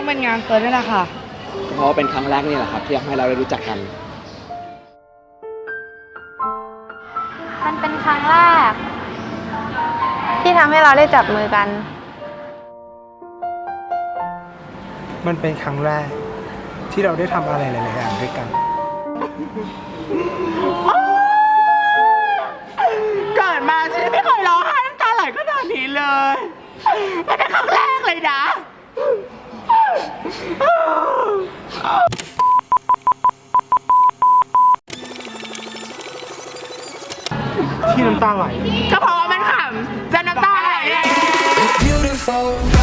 เป็นงานเฟิร์สนี่แหละค่ะเพราะว่าเป็นครั้งแรกนี่แหละครับที่ทำให้เราได้รู้จักกันมันเป็นครั้งแรกที่ทำให้เราได้จับมือกันมันเป็นครั้งแรกที่เราได้ทำอะไรหลายๆอย่างด้วยกันเกิดมาฉันไม่เคยร้องไห้น้ำตาไหลขนาดนี้เลยมันเป็นครั้งแรกเลยนะที่น้ำตาไหลก็เพราะว่ามันขำจะน้ำตาไหลเลย